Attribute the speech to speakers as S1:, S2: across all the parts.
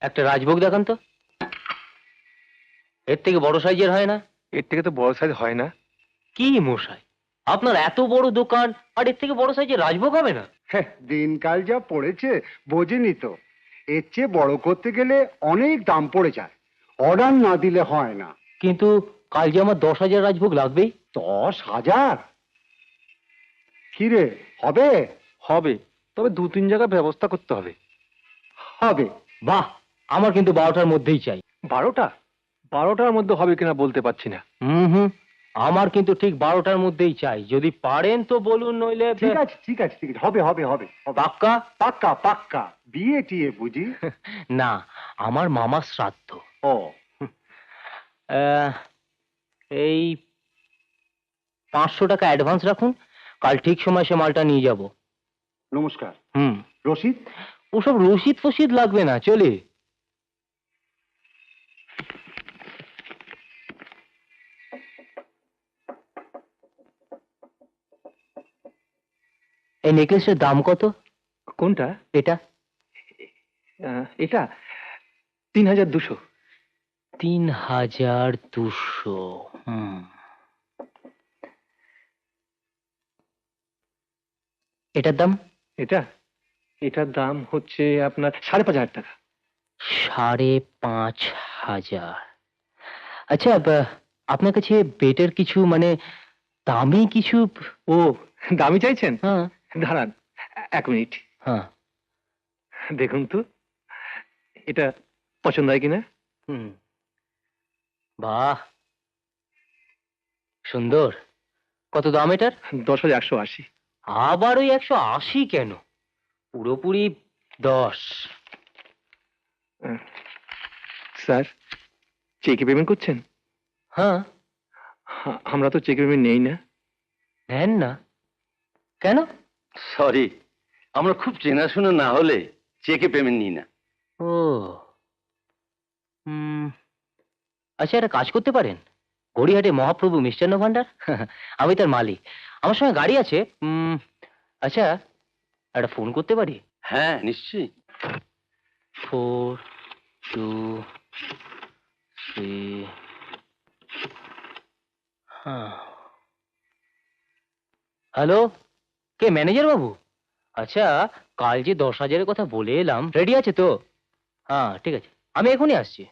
S1: একটা রাজভোগ দেখান তো। এর থেকে বড় সাইজের হয় না?
S2: এর থেকে তো বড় সাইজ হয় না।
S1: কি মশাই, আপনার এত বড় দোকান আর এর থেকে বড় সাইজের রাজভোগ হবে না?
S3: হ্যাঁ, দিনকাল যা পড়েছে বোঝেনি তো। এর চেয়ে বড় করতে গেলে অনেক দাম পড়ে যায়, অর্ডার না দিলে হয় না।
S1: কিন্তু কাল যে আমার 10,000 রাজভোগ লাগবেই।
S3: 10,000? কি রে, হবে?
S2: হবে, তবে 2-3 জায়গায় ব্যবস্থা করতে হবে।
S3: হবে।
S1: বাহ, আমার কিন্তু 12টার মধ্যেই চাই।
S2: 12টা? 12টার মধ্যে হবে কিনা বলতে পারছি না।
S1: হুম, আমার কিন্তু ঠিক 12টার মধ্যেই চাই। যদি পারেন তো বলুন, নইলে
S3: ঠিক আছে ঠিক আছে ঠিক আছে, হবে হবে হবে হবে।
S1: পাক্কা?
S3: পাক্কা পাক্কা। বিয়ে টিয়ে বুঝি?
S1: না, আমার মামার শ্রাদ্ধ।
S3: ও,
S1: এই 500 টাকা অ্যাডভান্স রাখুন, কাল ঠিক সময় সে মালটা নিয়ে যাব।
S3: নমস্কার।
S1: হুম।
S3: রশিদ?
S1: ওসব রসিদ ফসিদ লাগবে না, চলে। এই নেকলেসের দাম কত?
S2: কোনটা?
S1: এটা
S2: এটা 3,200।
S1: 3,200। হুম। এটার দাম?
S2: এটার দাম হচ্ছে আপনার 5,500 টাকা।
S1: 5,500। আচ্ছা, আপনার কাছে বেটের কিছু মানে দামি কিছু?
S2: ও, দামি চাইছেন?
S1: হ্যাঁ
S2: দাঁড়ান 1 মিনিট।
S1: হ্যাঁ।
S2: দেখুন তো এটা পছন্দ হয় কিনা।
S1: হুম। বাহ, সুন্দর। কত দাম এটার?
S2: 10,180।
S1: আবার ওই 180 কেন? পুরোপুরি 10।
S2: স্যার, চেকে পেমেন্ট করছেন?
S1: হ্যাঁ।
S2: আমরা তো চেকে পেমেন্ট নেই না।
S1: নেন না কেন?
S4: সরি, আমরা খুব চেনাশোনা না হলে চেকে পেমেন্ট নিই না।
S1: ও, হুম। আচ্ছা, একটা কাজ করতে পারেন, গড়িয়াহাটে মহাপ্রভু মিষ্টান্ন ভান্ডার, আমি তার মালিক, আমার সঙ্গে গাড়ি আছে। আচ্ছা, একটা ফোন করতে পারি?
S4: হ্যাঁ, নিশ্চয়ই।
S1: 423। হ্যাঁ। হ্যালো, কে ম্যানেজার বাবু? আচ্ছা, কাল যে 10,000-এর কথা বলে এলাম, রেডি আছে তো? হ্যাঁ, ঠিক আছে, আমি এখনই আসছি।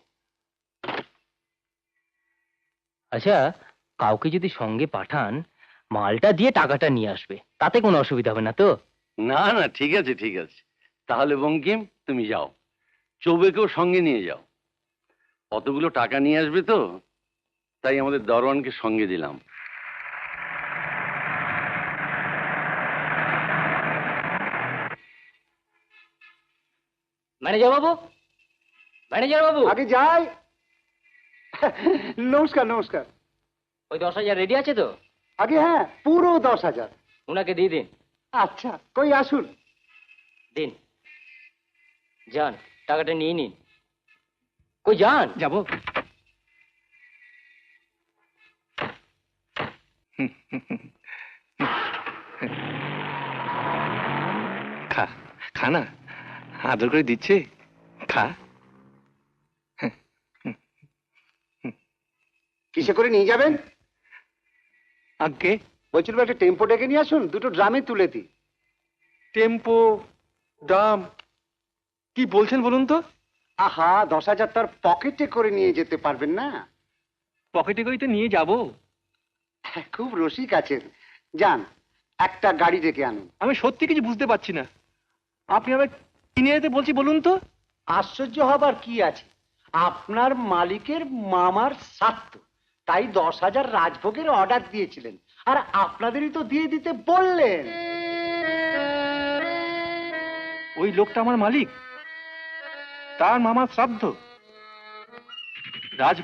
S1: আচ্ছা, কাউকে যদি সঙ্গে পাঠান, মালটা দিয়ে টাকাটা নিয়ে আসবে, তাতে কোনো অসুবিধা হবে না তো?
S4: না না, ঠিক আছে ঠিক আছে। তাহলে বঙ্কিম, তুমি যাও, চৌবেকেও সঙ্গে নিয়ে যাও। অতগুলো টাকা নিয়ে আসবে তো, তাই আমাদের দরওয়ানকে সঙ্গে দিলাম।
S1: ম্যানেজার বাবু, ম্যানেজার বাবু,
S3: আগে যাই। নমস্কার নমস্কার।
S1: ওই 10,000 রেডি আছে তো?
S3: আগে হ্যাঁ, পুরো 10,000।
S1: ওনাকে দিয়ে দিন।
S3: আচ্ছা, কই আসুন।
S1: দিন, যান, টাকাটা নিয়ে নিন। কই যান?
S2: যাব। খা, খা না, আদর করে দিচ্ছে, খা।
S3: কিসে করে নিয়ে যাবেন?
S2: আগে
S3: বলছিলাম একটা টেম্পো ডেকে নিয়ে আসুন, দুটো ড্রামে তুলে দিই।
S2: টেম্পো, দাম, কি বলছেন বলুন তো?
S3: আহা, 10,000 তার পকেটে করে নিয়ে যেতে পারবেন না?
S2: পকেটে করে তো নিয়ে যাব।
S3: খুব রসিক আছেন। যান, একটা গাড়ি ডেকে আনুন।
S2: আমি সত্যি কিছু বুঝতে পারছি না, আপনি আবার কিনে যেতে বলছি বলুন তো।
S3: আশ্চর্য হবার কি আছে, আপনার মালিকের মামার শ্রাদ্ধ, তাই 10,000 রাজভোগের অর্ডার দিয়েছিলেন, আর আপনাদেরই তো দিয়ে দিতে বললেন।
S2: ওই লোকটা আমার মালিক, তার মামার শ্রাদ্ধ, রাজ